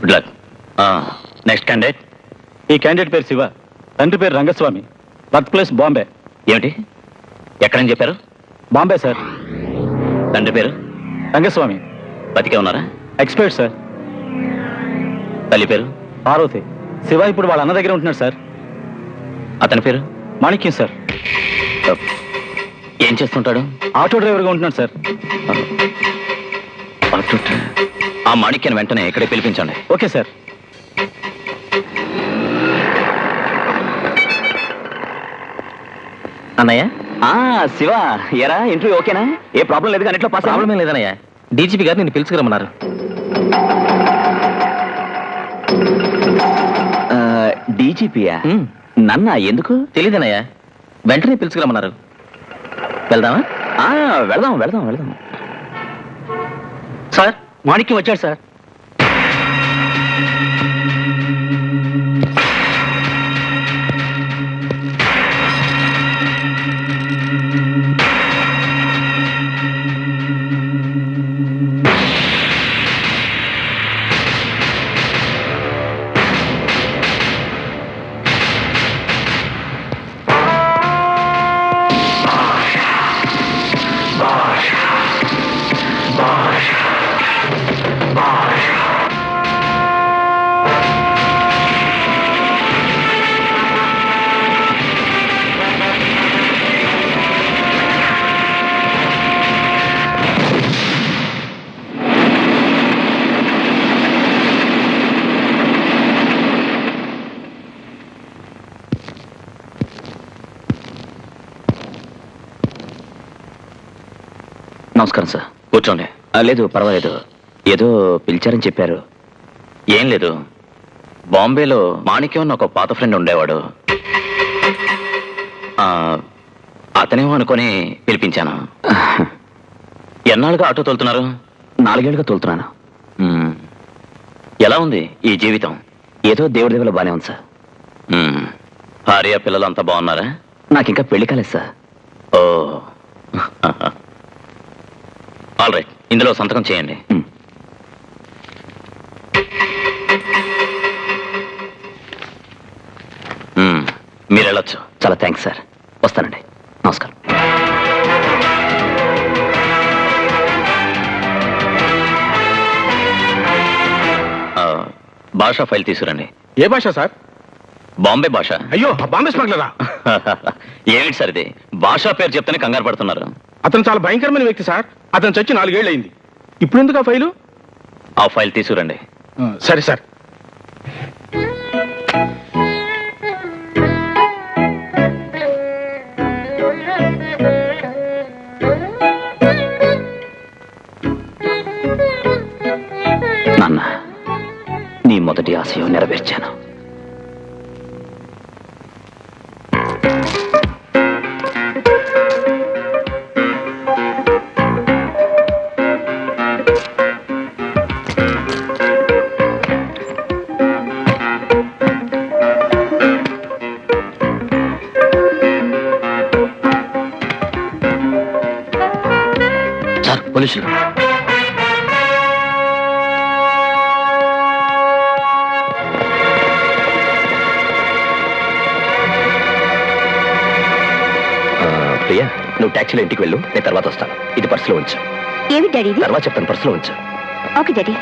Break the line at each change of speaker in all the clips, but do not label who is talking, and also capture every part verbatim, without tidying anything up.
Good luck. Next candidate.
ఈ candidate పేరు శివ, తండ్రి పేరు రంగస్వామి, బర్త్ ప్లేస్ బాంబే.
ఏమిటి, ఎక్కడని చెప్పారు?
బాంబే సార్.
తండ్రి పేరు?
రంగస్వామి.
బతికే ఉన్నారా?
Expired sir.
తల్లి పేరు?
పార్వతి. శివ ఇప్పుడు వాళ్ళ అన్న దగ్గర ఉంటున్నాడు సార్.
అతని పేరు?
మాణిక్యం సార్.
ఏం చేస్తుంటాడు?
ఆటో డ్రైవర్గా ఉంటున్నాడు సార్.
ఆ మాణిక్యాన్ని వెంటనే ఇక్కడే పిలిపించండి.
Okay sir.
అన్నయ్య. శివ, ఎరా ఇంటర్వ్యూ ఓకేనా? ఏ ప్రాబ్లం లేదు కానీ ఇంట్లో పాస్? ప్రాబ్లం లేదన్నయ్య, డీజీపీ గారు నేను పిలుచుకురమ్మన్నారు. డీజీపీయా? నన్న ఎందుకు తెలీదన్నయ్య, వెంటనే పిలుచుకురమ్మన్నారు. వెళ్దామా? వెళ్దాం వెళ్దాం వెళ్దాం.
సార్, మాణిక్యం వచ్చాడు సార్.
నమస్కారం సార్. కూర్చోండి. లేదు పర్వాలేదు, ఏదో పిలిచారని చెప్పారు. ఏం లేదు, బాంబేలో మాణిక్యం అని ఒక పాత ఫ్రెండ్ ఉండేవాడు. అతనేమో అనుకొని పిలిపించాను. ఎన్నాళ్ళుగా ఆటో తోలుతున్నారు? నాలుగేళ్లుగా తోలుతున్నాను. ఎలా ఉంది ఈ జీవితం? ఏదో దేవుడి దేవుల బానే ఉంది సార్. భార్య పిల్లలు అంతా బాగున్నారా? నాకు ఇంకా పెళ్లి కాలేదు సార్. ఓ, ఆల్ రైట్, ఇందులో సంతకం చేయండి. మీరు వెళ్ళొచ్చు. చాలా థ్యాంక్స్ సార్. వస్తానండి. నమస్కారం. భాషా ఫైల్ తీసుకురండి.
ఏ భాష సార్?
బాంబే భాష.
అయ్యో, బాంబే స్మగ్లరా?
ఏమిటి సార్ ఇది? భాషా పేరు చెప్తేనే కంగారు పడుతున్నారు.
అతను చాలా భయంకరమైన వ్యక్తి సార్. అతను చచ్చి నాలుగేళ్ళు అయింది. ఇప్పుడు ఎందుకు ఆ ఫైలు?
ఆ ఫైల్ తీసుకురండి.
సరే సార్.
నాన్న, నీ మొదటి ఆశయం నెరవేర్చాను. సార్, పోలీసులు. ప్రియా, నువ్వు టాక్సీలో ఇంటికి వెళ్ళు, నేను తర్వాత వస్తాను. ఇది పర్సులో ఉంచు.
ఏమి డాడీ?
తర్వాత చెప్తాను, పర్సులో ఉంచు.
Okay daddy.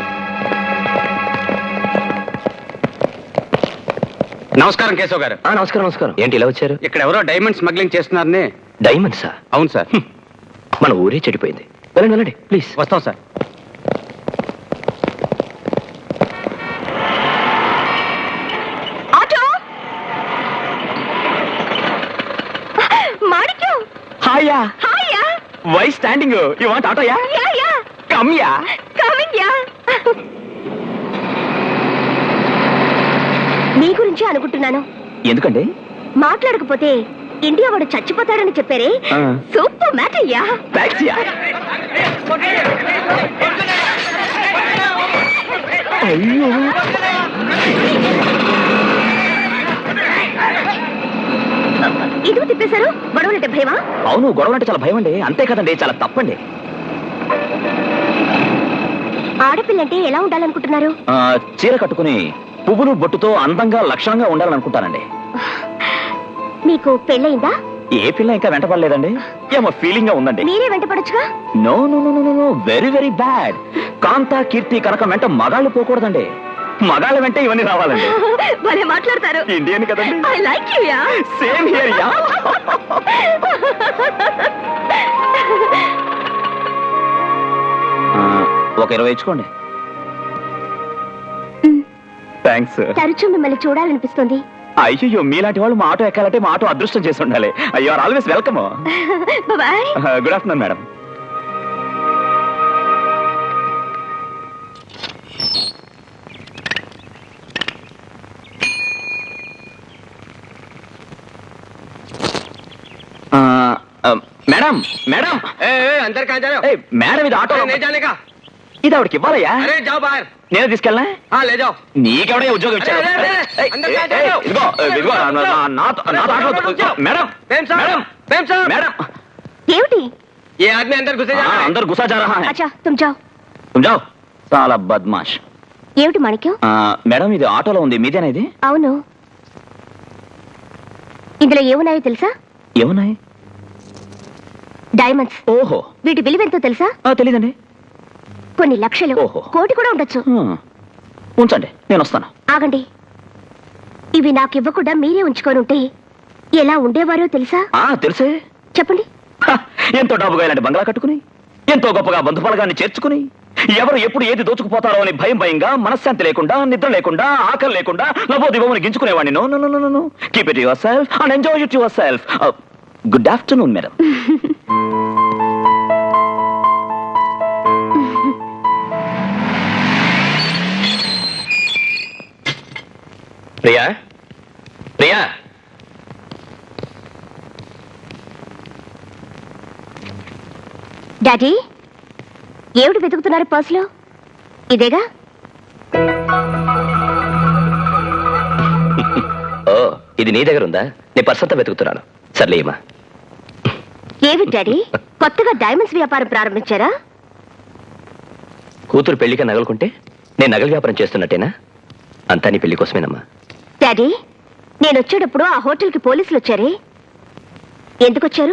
నమస్కారం కేశవ్ గారు.
నమస్కారం. నమస్కారం. ఏంటి ఇలా వచ్చారు?
ఇక్కడ ఎవరో డైమండ్ స్మగ్లింగ్ చేస్తున్నారని.
డైమండ్సా?
అవును సార్.
మన ఊరే చెడిపోయింది. వెళ్ళండి వెళ్ళండి ప్లీజ్.
వస్తాం సార్.
ఆటో. మాణిక్యం.
హాయా.
హాయా.
Why standing? యు వాంట్ ఆటోయా?
Yeah yeah.
Come yeah.
Coming yeah. మీ గురించి అనుకుంటున్నాను.
ఎందుకండి?
మాట్లాడకపోతే ఇండియా వాడు చచ్చిపోతాడని చెప్పారే, super matter yeah.
Thanks yeah. అయ్యో,
ఇదిగో తిప్పేశారు. గొడవలంటే భయమా?
అవును, గొడవలంటే చాలా భయం అండి. అంతే కదండి, చాలా తప్పండి.
ఆడపిల్లంటే ఎలా ఉండాలనుకుంటున్నారు?
ఆ, చీర కట్టుకుని పువ్వులు బొట్టుతో అందంగా లక్షణంగా ఉండాలనుకుంటానండి.
మీకు పెళ్ళయిందా?
ఏ పిల్ల ఇంకా వెంటపడలేదండి. ఏమో ఫీలింగ్ గా ఉందండి.
మీరే వెంటపడొచ్చుగా.
No no no no no very very bad. Kanta Keerthi Kanakam వెంట మగాళ్ళు పోకూడదండి. మగాళ్ళ వెంట ఇవన్నీ రావాలండి.
భలే మాట్లాడతారు.
ఇండియన్ కదండి.
I like you yeah.
Same here yeah. ఒక ఇరవై ఇచ్చుకోండి. థ్యాంక్స్.
తరచూ మిమ్మల్ని చూడాలనిపిస్తుంది.
అయ్యో మీలాంటి వాళ్ళు మా ఆటో ఎక్కాలంటే మా ఆటో అదృష్టం చేసి ఉండాలి. అయ్యో are always welcome.
Bye.
Good afternoon madam. Madam madam
अंदर कहाँ जा रहे हो?
ఏయ్, మేడం ఇది ఆటో
अरे नहीं जाने का.
ఇది ఆవిడకి ఇవ్వాలయ్యా.
अरे जाओ बाहर.
నేనే తీసుకెళ్ళనా?
हाँ ले जाओ.
నీకెవడయ్యా ఉద్యోగం ఇచ్చాడు?
అరే, అరే, అరే,
ఏయ్,
అందరూ
ఏయ్,
కాదు,
ఏయ్,
కాదు.
ఇదిగో ఇదిగో నా- నా- నాతో- నాతో ఆటో- మేడం
प्रेम साहब.
మేడం
प्रेम साहब.
మేడం
ఏమిటి?
ये आदमी अंदर घुसे जा
हाँ,
रहा है.
अंदर घुसा जा रहा है.
అచ్చా తుమ్ జాओ.
तुम जाओ. చాలా బద్మాష్.
ఏమిటి మాణిక్యం?
ఆ, మేడం ఇది ఆటోలో ఉంది, మీదేనా ఇది?
అవును. ఇందులో ఏమున్నాయో తెలుసా?
ఏమున్నాయి?
డైమండ్స్.
ఓహో
వీటి విలువెంతో తెలుసా?
ఆ, తెలీదండి.
కొన్ని లక్షలు,
ఓహో.
కోటి కూడా ఉండొచ్చు.
హ్మ్. ఉంచండి, నేను వస్తాను.
ఆగండి. ఇవి నాకు ఇవ్వకుండా మీరే ఉంచుకొని ఉంటే ఎలా ఉండేవారో తెలుసా?
ఆ తెలుసే.
చెప్పండి.
హ, ఎంతో డబ్బుగా ఇలాంటి బంగ్లా కట్టుకుని ఎంతో గొప్పగా బంధుఫలగాన్ని చేర్చుకుని ఎవరు ఎప్పుడు ఏది దోచుకుపోతారో అని భయం భయంగా మనశ్శాంతి లేకుండా నిద్ర లేకుండా ఆకలి లేకుండా నవోదివని గించుకునేవాడిని. No no no no keep it yourself and enjoy it yourself. Good afternoon madam. Priya Priya
daddy, ఏమిటి వెతుకుతున్నారు పర్సులో? ఇదేగా.
ఓ ఇది నీ దగ్గర ఉందా? నీ పర్స్ అంతా వెతుకుతున్నాను. సర్లేమా.
ఏమి డాడీ, కొత్తగా డైమండ్స్ వ్యాపారం ప్రారంభించారా?
కూతురు పెళ్లిగా నగలుకుంటే నేను నగల వ్యాపారం చేస్తున్నట్టేనా? అంతా నీ పెళ్లి కోసమేనమ్మా.
డాడీ, నేను వచ్చేటప్పుడు ఆ హోటల్కి పోలీసులు వచ్చారే, ఎందుకు వచ్చారు?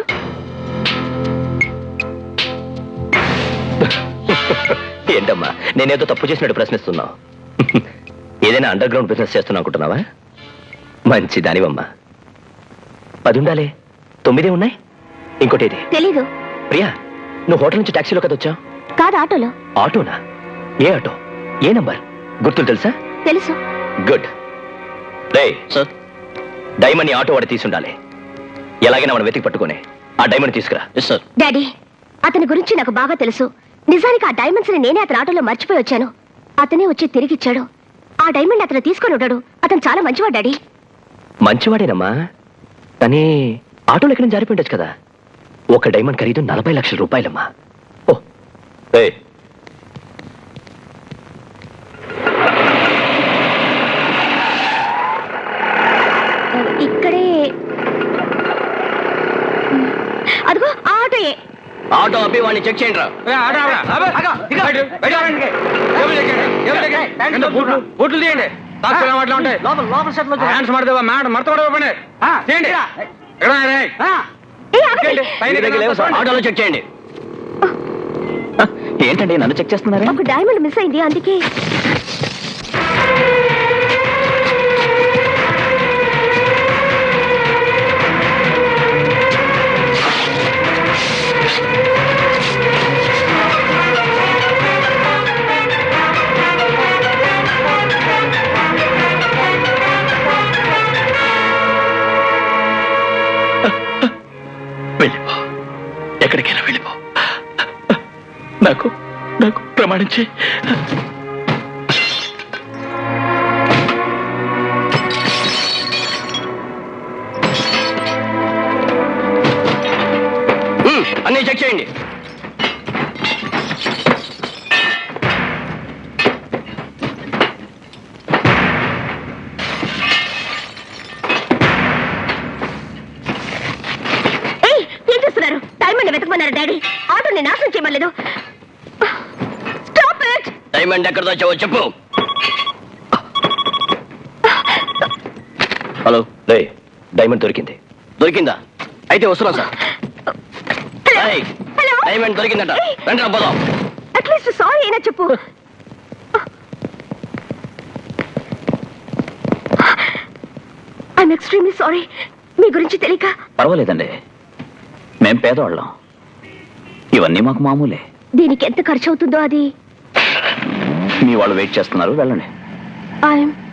ఏంటమ్మా నేనేదో తప్పు చేసినట్టు ప్రశ్నిస్తున్నావు? ఏదైనా అండర్ గ్రౌండ్ బిజినెస్ చేస్తున్నా అనుకుంటున్నావా? మంచి దానివమ్మా. పది ఉండాలి, తొమ్మిదే ఉన్నాయి. ఇంకోటి ఇది.
తెలీదు.
ప్రియా, నువ్వు హోటల్ నుంచి టాక్సీలో కదా వచ్చావు?
కాదు, ఆటోలో.
ఆటోనా? ఏ ఆటో? ఏ నంబర్? గుర్తులు తెలుసా?
తెలుసు.
గుడ్. రే సార్, డైమండ్ ని ఆటో వాడి తీసుండాలి. ఎలాగైనా మనం వెతికి పట్టుకుని ఆ డైమండ్ తీసుకురా. సార్.
డాడీ, అతని గురించి నాకు బాగా తెలుసు. నిజానికి ఆ డైమండ్స్ ని నేనే అతని ఆటోలో మర్చిపోయి వచ్చాను. అతనే వచ్చి తిరిగిచ్చాడు. ఆ డైమండ్ అతను తీసుకొని ఉంటాడు. అతను చాలా మంచివాడు డాడీ.
మంచివాడేనమ్మా, కానీ ఆటోలో ఎక్కడ జారిపోయిండొచ్చు కదా. ఒక డైమండ్ ఖరీదు నలభై లక్షల రూపాయలమ్మా. ఓ ఏయ్.
ఇక్కడే. అదిగో ఆ ఆటోయే.
ఆటో అప్పి వాడిని చెక్ చేయండి రా.
ए, आड़ा, आड़ा. अबे, बैठो, बैठो, बैठो. टेबल लेके, टेबल लेके. ఎంత బూట్లు బూట్లు తీయండి. తాసుకున్న వాటిలో ఉంటాయి. హ్యాండ్స్ మడతావా? మ్యాడ్ మడత కూడా పని చేయండి. ఎక్కడ రే?
ఏ, ఆగండి.
పైన
మీ దగ్గర లేవు సార్, ఆటోలో చెక్ చేయండి. ఏంటండి నన్ను చెక్ చేస్తున్నారా?
ఒక డైమండ్ మిస్ అయింది, అందుకే.
వెళ్ళిపో, ఎక్కడికైనా వెళ్ళిపో. నాకు నాకు ప్రమాణించి అన్నీ చెక్ చేయండి.
ఏయ్, ఏం చేస్తున్నారు? డైమండ్ వెతకమన్నారు డాడీ. ఆటోని నాశనం చేయమలేదు. Stop it.
డైమండ్ ఎక్కడ దాచావో చెప్పు. హలో రే, డైమండ్ దొరికింది. దొరికిందా? అయితే వస్తున్నాం సార్. ఏయ్,
హలో
డైమండ్ దొరికిందట. రండి రా పోదాం.
అట్లీస్ట్ సారీ అయినా చెప్పు. I'm extremely sorry. మీ గురించి తెలియక.
పర్వాలేదండి, మేం పేదవాళ్ళం, ఇవన్నీ మాకు మామూలే.
దీనికి ఎంత ఖర్చు అవుతుందో అది.
మీ వాళ్ళు వెయిట్ చేస్తున్నారు, వెళ్ళండి.
ఐఎమ్